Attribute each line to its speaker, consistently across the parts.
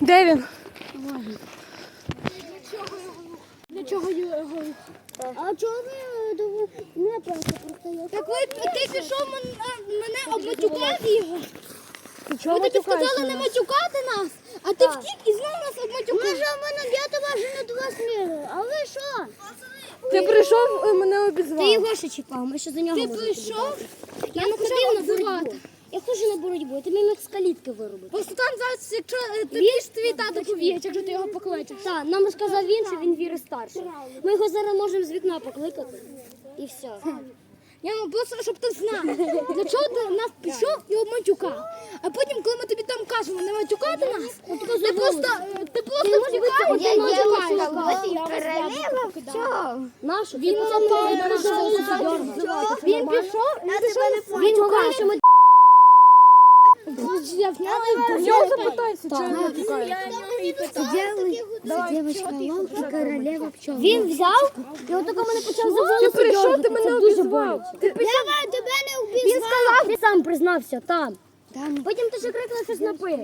Speaker 1: Де він?
Speaker 2: Для чого його? А чого ви не просто я? Так ти пішов мене обматюкав його. Ви тобі сказали не матюкати нас, а ти втік і знову нас обматюкав. Ми ж я тебе вже не до вас мірю. А ви що?
Speaker 1: Ти прийшов, мене обізвав.
Speaker 2: Ти його ще чіпав, ми ще за нього. Ти прийшов? Я не хотів називати. Я хочу на боротьбу, ти міг з калітки виробити.
Speaker 1: Просто там зараз, якщо тобі ж твій тато повіє, якщо ти його покличеш.
Speaker 2: Так, нам сказав він, що він віри старший. Ми його зараз можемо з вікна покликати. І все.
Speaker 1: Я просто, щоб ти знав, для чого ти нас пішов і обматюкав. А потім, коли ми тобі там кажемо не матюкати нас, ти просто втікаєш і матюкаєш.
Speaker 2: Королева в чому? Нашу.
Speaker 1: Він пішов,
Speaker 2: Він говорить, що ми...
Speaker 1: в нього запитайся, чого я матюкаю.
Speaker 2: Девочка, лам і королева пчел. Він взяв і отако мене почав за волоси
Speaker 1: Ти прийшов,
Speaker 2: дергати.
Speaker 1: ти мене
Speaker 2: Це дуже
Speaker 1: обізвав.
Speaker 2: боляче. Я тебе не обізвав. Він сказав, ти сам признався там. Потім ти ще крикнув щось напи.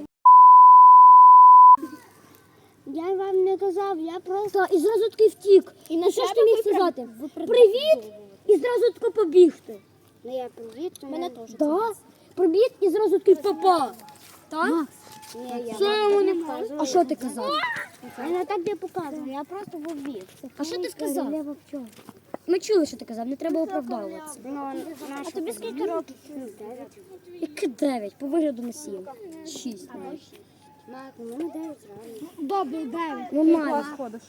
Speaker 2: Я вам не казав, я просто... І зразу таки втік. І на що ж ти міг сказати? Привіт! І зразу таки побігти.
Speaker 3: Ну я привіт, мене теж.
Speaker 2: Так. Привіт і зразу таки папа. Так?
Speaker 3: Ні,
Speaker 1: Що я йому не кажу?
Speaker 2: А що ти казав?
Speaker 3: я не так не показував, я просто був біг.
Speaker 2: А що ти сказав? Ми чули, що ти казав, не треба оправдовуватися.
Speaker 3: А тобі скільки років?
Speaker 2: Яке 9? По вигляду на 7. 6.
Speaker 3: Мак, у мене 9 років.
Speaker 1: Добре, 9.
Speaker 2: Ну, мало.
Speaker 1: Ходиш.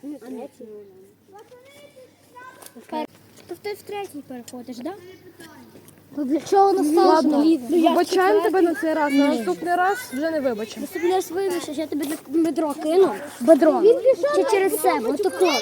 Speaker 2: То ти в третій переходиш, так?
Speaker 3: То для чого настало?
Speaker 1: Вибачаємо тебе на цей раз, на наступний раз вже не вибачимо.
Speaker 2: Ти мене вивішиш, я тобі бедро кину. Бедро. Чи через себе, отако.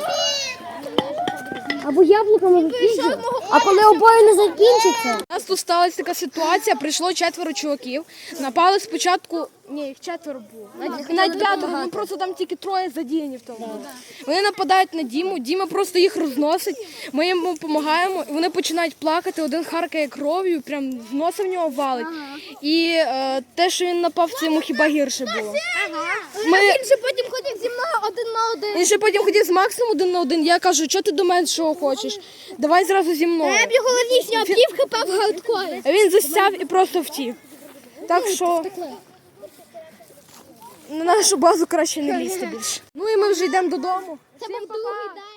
Speaker 2: Або яблуками випіжу. А коли обоє не закінчиться.
Speaker 1: У нас тут сталася така ситуація, прийшло 4 чуваків, напали спочатку, ні, їх 4 було, навіть 5, ну просто там тільки 3 задіяні в тому. Вони нападають на Діму, Діма просто їх розносить, ми йому допомагаємо, і вони починають плакати, один харкає кров'ю, прям з носа в нього валить. І те, що він напав, це йому хіба гірше було.
Speaker 2: Він же потім ходив зі мною 1 на 1.
Speaker 1: Він ще потім ходив з Максом 1 на 1, я кажу, що ти до мене що хочеш, давай зразу зі мною.
Speaker 2: Я б його лишнього пів хп в гардкорі.
Speaker 1: А він засяв і просто втік. Так що на нашу базу краще не лізти більше. Ну і ми вже йдемо додому.
Speaker 2: Це був другий день.